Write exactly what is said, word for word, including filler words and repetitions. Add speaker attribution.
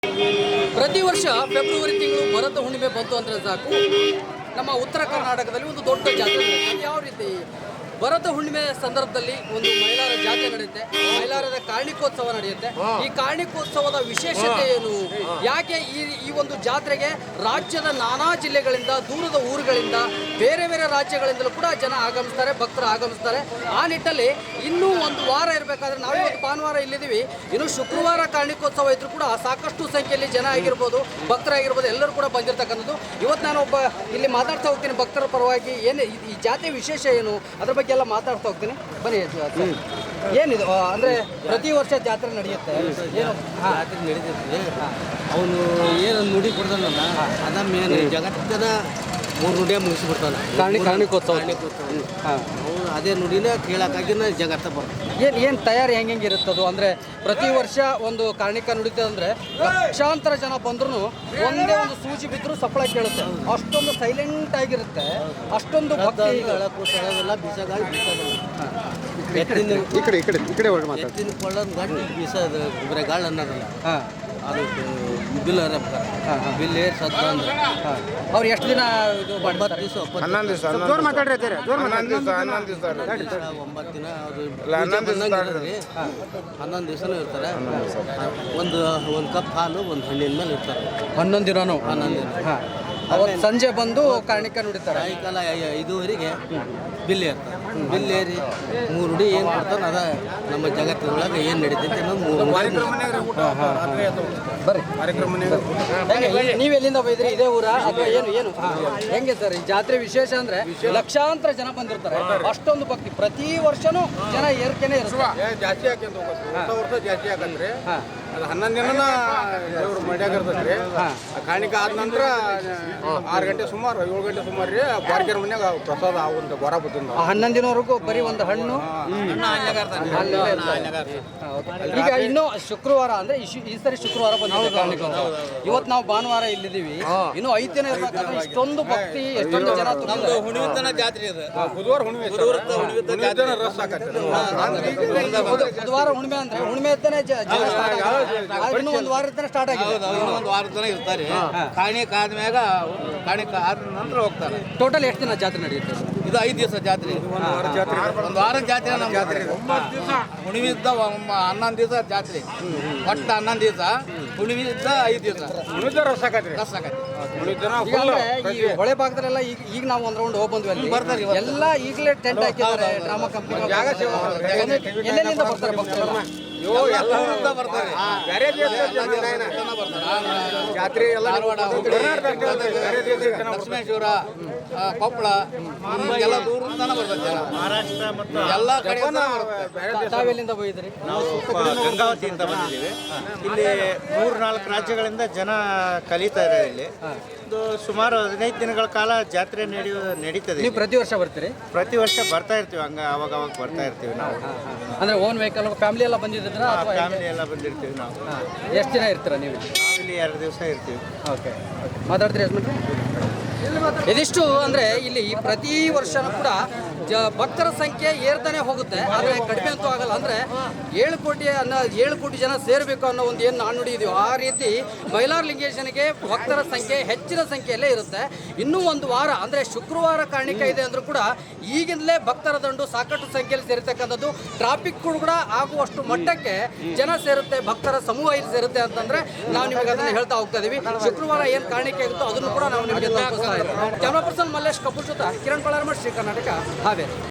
Speaker 1: ಪ್ರತಿ ವರ್ಷ ಫೆಬ್ರವರಿ ತಿಂಗಳು ಭರತ ಹುಣ್ಣಿಮೆ ಬಂತು ಅಂದರೆ ಸಾಕು ನಮ್ಮ ಉತ್ತರ ಕರ್ನಾಟಕದಲ್ಲಿ ಒಂದು ದೊಡ್ಡ ಜಾತ್ರೆ ನಡೆಯುತ್ತೆ. ಯಾವ ರೀತಿ ಭರತ ಹುಣ್ಣಿಮೆ ಸಂದರ್ಭದಲ್ಲಿ ಒಂದು ಮಹಿಳಾರ ಜಾತ್ರೆ ನಡೆಯುತ್ತೆ, ಮಹಿಳಾರದ ಕಾರ್ಣಿಕೋತ್ಸವ ನಡೆಯುತ್ತೆ. ಈ ಕಾರ್ಣಿಕೋತ್ಸವದ ವಿಶೇಷತೆ ಏನು, ಯಾಕೆ ಈ ಈ ಒಂದು ಜಾತ್ರೆಗೆ ರಾಜ್ಯದ ನಾನಾ ಜಿಲ್ಲೆಗಳಿಂದ, ದೂರದ ಊರುಗಳಿಂದ, ಬೇರೆ ಬೇರೆ ರಾಜ್ಯಗಳಿಂದಲೂ ಕೂಡ ಜನ ಆಗಮಿಸ್ತಾರೆ, ಭಕ್ತರು ಆಗಮಿಸ್ತಾರೆ. ಆ ನಿಟ್ಟಲ್ಲಿ ಇನ್ನೂ ಒಂದು ವಾರ ಇರಬೇಕಾದ್ರೆ ನಾವು ಇವತ್ತು ಭಾನುವಾರ ಇಲ್ಲಿದ್ದೀವಿ, ಇನ್ನು ಶುಕ್ರವಾರ ಕಾರ್ಣಿಕೋತ್ಸವ ಇದ್ರೂ ಕೂಡ ಸಾಕಷ್ಟು ಸಂಖ್ಯೆಯಲ್ಲಿ ಜನ ಆಗಿರ್ಬೋದು, ಭಕ್ತರಾಗಿರ್ಬೋದು, ಎಲ್ಲರೂ ಕೂಡ ಬಂದಿರತಕ್ಕಂಥದ್ದು. ಇವತ್ತು ನಾನು ಒಬ್ಬ ಇಲ್ಲಿ ಮಾತಾಡ್ತಾ ಹೋಗ್ತೀನಿ ಭಕ್ತರ ಪರವಾಗಿ. ಏನು ಈ ಜಾತ್ರೆ ವಿಶೇಷ ಏನು ಅದ್ರ ಬಗ್ಗೆ ಎಲ್ಲ ಮಾತಾಡ್ತಾ ಹೋಗ್ತೀನಿ, ಬನ್ನಿ. ಏನಿದು ಅಂದರೆ ಪ್ರತಿ ವರ್ಷ ಜಾತ್ರೆ ನಡೆಯುತ್ತೆ, ಏನು
Speaker 2: ಜಾತ್ರೆ ನಡೀತೈತಿ. ಅವನು ಏನು ನುಡಿ ಕೊಡ್ತಾನಲ್ಲ ಅದ ಮೇನ್ ಜಗತ್ತಿನ ಮೂರು ನುಡಿಯ ಮುಗಿಸ್ಬಿಡ್ತಾನೆ.
Speaker 1: ಕಾರ್ಣಿ ಕಾರ್ಣಿಕೋತ್ಸವ
Speaker 2: ಹಾಂ, ಅವನು ಅದೇ ನುಡಿನ ಕೇಳಕ್ಕಾಗಿನ ಜಗತ್ತ ಬರ್ತದೆ.
Speaker 1: ಏನು ಏನು ತಯಾರಿ ಹೆಂಗೆ ಹೆಂಗೆ ಇರುತ್ತದು ಅಂದರೆ ಪ್ರತಿ ವರ್ಷ ಒಂದು ಕಾರ್ಣಿಕ ನುಡಿತದೆ ಅಂದರೆ ಲಕ್ಷಾಂತರ ಜನ ಬಂದ್ರೂ ಒಂದೇ ಒಂದು ಸೂಜಿ ಬಿದ್ದರೂ ಸಪ್ಪಳ ಕೇಳುತ್ತೆ, ಅಷ್ಟೊಂದು ಸೈಲೆಂಟ್ ಆಗಿರುತ್ತೆ, ಅಷ್ಟೊಂದು ಭಕ್ತಿ.
Speaker 2: ಕೂಸೆಲ್ಲ ಬೀಸಗಾಳಿ ಬೀಸೋದಿಲ್ಲ. ಎತ್ತಿನ
Speaker 3: ಈ ಕಡೆ ಈ ಕಡೆ ಈ ಕಡೆ ಹೊರಗೆ ಮಾತಾಡಿ.
Speaker 2: ಎತ್ತಿನ ಕೊಳ್ಳೋದು ಗಂಟು ಬೀಸೋದು ಬರೀ ಗಾಳಿ ಅನ್ನೋದಲ್ಲ.
Speaker 1: ಹಾಂ,
Speaker 2: ಅದು ಬಿಲ್ ಹರಪ್ತಾರೆ. ಬಿಲ್ ಏರ್ ಸತ್ತ ಅಂದ್ರೆ
Speaker 1: ಅವ್ರು ಎಷ್ಟು ದಿನ ಇದು
Speaker 2: ಒಂಬತ್ತು ದಿವಸ
Speaker 3: ಹನ್ನೊಂದು ದಿವಸ ಜೋರ್ ಮಾತಾಡ್ರಿ ಹನ್ನೊಂದು ದಿವಸ ಹನ್ನೊಂದು ದಿವಸ
Speaker 2: ಒಂಬತ್ತು ದಿನ ಅದು ಹನ್ನೊಂದು ದಿವಸನೂ ಇರ್ತಾರೆ. ಒಂದು ಒಂದು ಕಪ್ ಹಾಲು ಒಂದು ಹಣ್ಣಿನ ಮೇಲೆ ಇರ್ತಾರೆ
Speaker 1: ಹನ್ನೊಂದು ದಿನನೂ.
Speaker 2: ಹನ್ನೊಂದು ದಿನ.
Speaker 1: ಹಾಂ, ಅವತ್ತು ಸಂಜೆ ಬಂದು ಕಾರ್ಣಿಕ ನುಡಿತಾರೆ.
Speaker 2: ಸಾಯಂಕಾಲ ಐದೂವರೆಗೆ ಬಿಲ್ ಏರ್ತಾರೆ. ಬಿಲ್ ಏರಿ ಮೂರು ನುಡಿ ಏನು ಕೊಡ್ತಾನೆ ಅದ ನಮ್ಮ ಜಗತ್ತಿನೊಳಗೆ ಏನು ನಡೀತೈತೆ ಅನ್ನೋದು ಮೂರು
Speaker 1: ಬರ್ರಿ. ಹೆಂಗೆ ನೀವು ಎಲ್ಲಿಂದ ಬೈದ್ರಿ? ಇದೇ ಊರ ಅಥವಾ ಏನು ಏನು ಹೆಂಗೆ ಸರ್ ಈ ಜಾತ್ರೆ ವಿಶೇಷ ಅಂದ್ರೆ ಲಕ್ಷಾಂತರ ಜನ ಬಂದಿರ್ತಾರೆ, ಅಷ್ಟೊಂದು ಭಕ್ತಿ ಪ್ರತಿ ವರ್ಷನೂ ಜನ ಏರ್ಕೆನೆ ಇರುತ್ತೆ.
Speaker 3: ಜಾಸ್ತಿ ಹಾಕ್ಯಂತ ಹೋಗುತ್ತೆ, ಹೊಸ ವರ್ಷ ಜಾಸ್ತಿ ಹಾಕಂದ್ರೆ ಅದು ಹನ್ನೊಂದು ದಿನನ ದೇವ್ರು ಮಡ್ಯಾಗ ಇರ್ತೈತ್ರಿ. ಕಾಣಿಕ ಆದ ನಂತರ ಆರು ಗಂಟೆ ಸುಮಾರು ಏಳು ಗಂಟೆ ಸುಮಾರು ರೀ ಬಾರ್ಕೆರ್ ಮನ್ಯಾಗ ಪ್ರಸಾದ ಆಗುವಂತ ಬರ ಬರ್ತದ.
Speaker 1: ಹನ್ನೊಂದು ದಿನವರೆಗೂ ಬರೀ ಒಂದು ಹಣ್ಣು. ಈಗ ಇನ್ನು ಶುಕ್ರವಾರ ಅಂದ್ರೆ ಈ ಸರಿ ಶುಕ್ರವಾರ ಬಂದಿದೆ ಕಾರ್ಣಿಕ. ಇವತ್ತು ನಾವು ಭಾನುವಾರ ಇಲ್ಲಿದ್ದೀವಿ, ಇನ್ನು ಐದು ದಿನ ಇರ್ಬೇಕಾದ್ರೆ ಇಷ್ಟೊಂದು ಭಕ್ತಿ, ಎಷ್ಟೊಂದು ಜನ.
Speaker 2: ಹುಣ್ಣಿಮೆತನ ಜಾತ್ರೆ ಇದೆ.
Speaker 3: ಬುಧವಾರ ಹುಣ್ಣಿಮೆ ರಸ್ ಹಾಕತ್ತೆ.
Speaker 1: ಬುಧವಾರ ಹುಣ್ಣಿಮೆ ಅಂದ್ರೆ ಹುಣ್ಣಿಮೆ ಇದ್ದಾನೆ ಇನ್ನು ಒಂದು ವಾರ ಇರ್ತಾನೆ ಸ್ಟಾರ್ಟ್ ಆಗಿದೆ.
Speaker 2: ಒಂದು ವಾರದ ತನಕ ಇರ್ತಾರೆ. ಕಾಣಿಕ ಆದ್ಮ್ಯಾಗ ಕಾಣಿಕ ಆದ ನಂತರ ಹೋಗ್ತಾರೆ.
Speaker 1: ಟೋಟಲ್ ಎಷ್ಟು ದಿನ ಜಾತ್ರೆ ನಡೆಯುತ್ತೆ?
Speaker 2: ಇದು ಐದು ದಿವಸ ಜಾತ್ರೆ. ಒಂದು ವಾರ ಜಾತ್ರೆ ನಮ್ಮ ಜಾತ್ರೆ. ಹುಣ್ಣಿಮೆ ಇದ್ದ ಹನ್ನೊಂದು ದಿವಸ ಜಾತ್ರೆ, ಒಟ್ಟು ಹನ್ನೊಂದು ದಿವಸ. ಹುಣ್ಣಿಮೆ ಇದ್ದ ಐದು ದಿವಸ
Speaker 3: ರಸ್ ಹಾಕತ್ರಿ.
Speaker 2: ರಸ್ ಆಗತ್ತೆ.
Speaker 1: ಈ ಹೊಳೆ ಭಾಗದಲ್ಲೆಲ್ಲ ಈಗ ಈಗ ನಾವು ಒಂದ್ ರೌಂಡ್ ಹೋಗಿ ಬಂದ್ವಿ ಅಲ್ಲಿ ಎಲ್ಲ ಈಗಲೇ ಟೆಂಟ್ ಹಾಕಿದ್ದಾರೆ. ಡ್ರಾಮಾ ಕಂಪನಿ ಎಲ್ಲೆಲ್ಲಿಂದ ಬರ್ತಾರೆ ಭಕ್ತರೆಲ್ಲ?
Speaker 2: ಬರ್ತಾರೆ.
Speaker 3: ಜಾತ್ರೆ ಎಲ್ಲ
Speaker 2: ಲಕ್ಷ್ಮೇಶ್ವರ, ಕೊಪ್ಪಳ ಎಲ್ಲ ದೂರದಿಂದನೇ ಬರ್ತದೆ ಜನ. ಮಹಾರಾಷ್ಟ್ರ ಮತ್ತು ಎಲ್ಲ ಕಡೆ
Speaker 1: ತಾವೆಲ್ಲಿಂದ ಹೋಗಿದ್ರಿ?
Speaker 4: ನಾವು ಗಂಗಾವತಿಯಿಂದ ಬಂದಿದ್ದೀವಿ. ಇಲ್ಲಿ ಮೂರು ನಾಲ್ಕು ರಾಜ್ಯಗಳಿಂದ ಜನ ಕಲಿತಾ ಇದ್ದಾರೆ. ಇಲ್ಲಿ ಒಂದು ಸುಮಾರು ಹದಿನೈದು ದಿನಗಳ ಕಾಲ ಜಾತ್ರೆ ನಡೆಯುವ ನಡೀತದೆ.
Speaker 1: ನೀವು ಪ್ರತಿ ವರ್ಷ ಬರ್ತೀರಿ?
Speaker 4: ಪ್ರತಿ ವರ್ಷ ಬರ್ತಾ ಇರ್ತೀವಿ, ಹಂಗ ಅವಾಗ ಅವಾಗ ಬರ್ತಾ ಇರ್ತೀವಿ ನಾವು.
Speaker 1: ಅಂದ್ರೆ ಓನ್ ವೆಹಿಕಲ್ ಫ್ಯಾಮಿಲಿ ಎಲ್ಲ ಬಂದಿದ್ರ?
Speaker 4: ಫ್ಯಾಮಿಲಿ ಎಲ್ಲ ಬಂದಿರ್ತೀವಿ ನಾವು.
Speaker 1: ಎಷ್ಟು ದಿನ ಇರ್ತೀರಾ ನೀವು?
Speaker 4: ನಾವು ಇಲ್ಲಿ ಎರಡು ದಿವಸ ಇರ್ತೀವಿ.
Speaker 1: ಓಕೆ, ಮಾತಾಡ್ತೀರಿ ಯಜಮಾನ್ರೆ? ಇದಿಷ್ಟು ಅಂದರೆ ಇಲ್ಲಿ ಪ್ರತಿ ವರ್ಷನೂ ಕೂಡ ಜ ಭಕ್ತರ ಸಂಖ್ಯೆ ಏರ್ತಾನೆ ಹೋಗುತ್ತೆ, ಆದರೆ ಕಡಿಮೆ ಅಂತೂ ಆಗಲ್ಲ. ಅಂದರೆ ಏಳು ಕೋಟಿ ಅನ್ನೋ ಏಳು ಕೋಟಿ ಜನ ಸೇರಬೇಕು ಅನ್ನೋ ಒಂದು ಏನು ನಾಣ್ಣುಡಿ ಇದೆಯೋ ಆ ರೀತಿ ಮೈಲಾರ ಲಿಂಗೇಶನಿಗೆ ಭಕ್ತರ ಸಂಖ್ಯೆ ಹೆಚ್ಚಿನ ಸಂಖ್ಯೆಯಲ್ಲೇ ಇರುತ್ತೆ. ಇನ್ನೂ ಒಂದು ವಾರ ಅಂದರೆ ಶುಕ್ರವಾರ ಕಾರ್ಣಿಕ ಇದೆ ಅಂದರೂ ಕೂಡ ಈಗಿಂದಲೇ ಭಕ್ತರ ದಂಡು ಸಾಕಷ್ಟು ಸಂಖ್ಯೆಯಲ್ಲಿ ಸೇರಿರ್ತಕ್ಕಂಥದ್ದು. ಟ್ರಾಫಿಕ್ ಕೂಡ ಆಗುವಷ್ಟು ಮಟ್ಟಕ್ಕೆ ಜನ ಸೇರುತ್ತೆ, ಭಕ್ತರ ಸಮೂಹ ಇಲ್ಲಿ ಸೇರುತ್ತೆ ಅಂತಂದರೆ ನಾವು ನಿಮಗೆ ಅದನ್ನು ಹೇಳ್ತಾ ಹೋಗ್ತಾ ಇದ್ದೀವಿ. ಶುಕ್ರವಾರ ಏನು ಕಾರ್ಣಿಕೆ ಇರುತ್ತೋ ಅದನ್ನು ಕೂಡ ನಾವು ನಿಮಗೆ ತಲುಪಿಸ್ತಾ ಇದ್ದೀವಿ. ಕ್ಯಾಮ್ರಾ ಪರ್ಸನ್ ಮಲ್ಲೇಶ್ ಕಪೂರ್ ಜೊತೆ ಕಿರಣ್ ಪಳಾರ್ಮಠ್, ಶ್ರೀ ಕರ್ನಾಟಕ, ಹಾವೇರಿ.